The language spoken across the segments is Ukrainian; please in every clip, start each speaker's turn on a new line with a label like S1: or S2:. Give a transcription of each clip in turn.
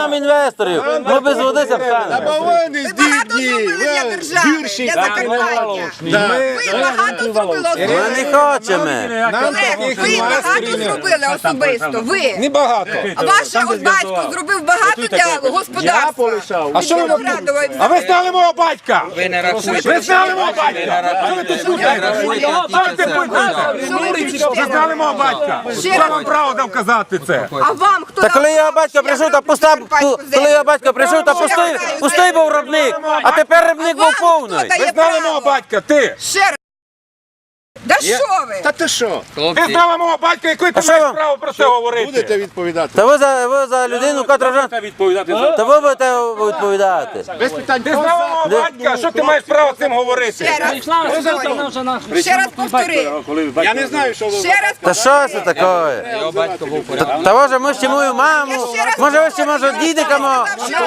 S1: нам інвесторів. Ми без води встанемо.
S2: Бо вони здібні, гірші.
S3: Ви багато зробили
S1: Ми
S3: особисто.
S1: не хочемо.
S3: Ви багато зробили особисто. Ви.
S2: Небагато.
S3: А ваш от батько зробив багато для господарства.
S2: А що ви робите? А ви знали мого батька?
S4: Ви не рахуєте.
S2: Ви знали мого батька? Що ви тут слухаєте? Ви знали мого батька? Хто вам право дав казати це?
S3: А вам хто?
S1: Та коли його батько прийшов, та коли його батько прийшов, та пустий був рибник, а тепер рибник був повний.
S2: Ви знали мого батька? Ти?
S3: Ще раз. Да що ви?
S5: Та ти що?
S2: Ти знала мого батька, який ти
S1: що
S2: маєш
S1: ви?
S2: право про це говорити?
S5: Будете відповідати?
S1: Та ви за людину, котра вже... Та ви будете відповідати.
S5: Без питань.
S2: Ти знала мого батька, що ти маєш право цим говорити?
S3: Ще раз повтори.
S5: Я не знаю, що ви...
S3: Ще раз
S1: Та що це таке?
S4: Його батько був порядок.
S1: Та може ми ще мою маму, може дідика мого,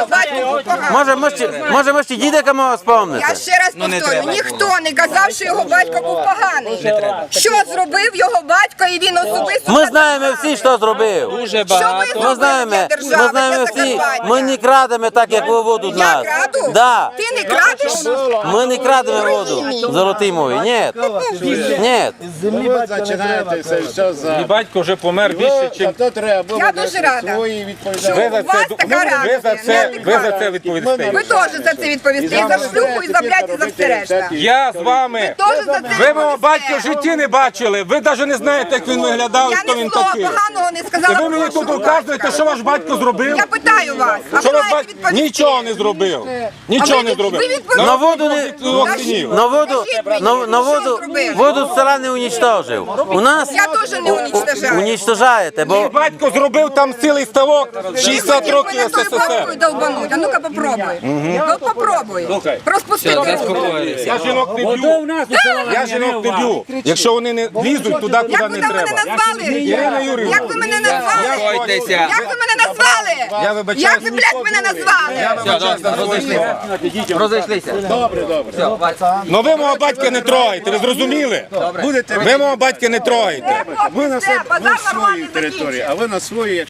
S1: може ми ще дідика мого спомнити.
S3: Я ще раз повторю, ніхто не казав, що його батько був поганий. Що зробив його батько і він особисто?
S1: Ми знаємо всі, що зробив.
S4: Дуже багато.
S1: Ми знаємо всі, ми не крадемо так, як ви воду з
S3: Я
S1: нас.
S3: краду?
S1: Да.
S3: Ти не крадеш?
S1: Ми не крадемо воду, золотий мой, ні. Ні.
S5: Ви починаєте все за...
S2: Батько вже помер більше, ніж...
S5: То треба
S3: Я дуже рада.
S5: свої відповідати.
S3: Що у вас така реакція?
S2: Ви за це відповісте.
S3: Ви теж за це відповісте. І за шлюху, і за блядь, і за все решта.
S2: Я з вами.
S3: Теж за це
S2: Ви мого
S3: відповісте.
S2: батька в житті не бачили. Ви навіть не знаєте, як він виглядав і
S3: Я
S2: хто
S3: ні
S2: він
S3: слова
S2: такий.
S3: поганого не
S2: І
S3: сказала.
S2: ви мені
S3: про
S2: тут
S3: вашого
S2: указуєте,
S3: батька.
S2: що ваш батько зробив?
S3: Я питаю вас, а
S2: Що
S3: ви
S2: ваш
S3: маєте
S2: батько
S3: відповісти.
S2: нічого не зробив. Нічого не зробив.
S3: ви відповіли.
S1: На воду не...
S2: Двох синів.
S1: На воду,
S3: зробив?
S1: воду з села не уничтожив. У нас
S3: Я теж не уничтожаю.
S1: уничтожаєте, бо
S2: Батько зробив там цілий ставок 60 років
S3: Мене тою палкою
S2: СССР.
S3: долбануть. А ну-ка попробуй. Ну попробуй. Розпусти руку.
S4: Заспокоїлися.
S2: Я жінок не б'ю. Я жінок не б'ю. Якщо вони не лізуть туди,
S3: Як
S2: куди
S3: ви
S2: не
S3: там мене
S2: треба.
S3: назвали?
S2: Ірина Юріївна.
S3: Як ви мене назвали?
S4: Заспокойтеся.
S3: Як ви мене назвали?
S2: Я вибачаюсь.
S3: Як ви, блядь, мене назвали?
S4: Розійшлися.
S5: Добре.
S2: Ну ви мого батька не трогаєте, ви зрозуміли?
S5: Будете
S2: Ви мого батька не трогаєте.
S5: ви на
S3: Все, базар
S5: свою
S3: нормальний
S5: територію,
S3: закінчив.
S5: а ви на свої.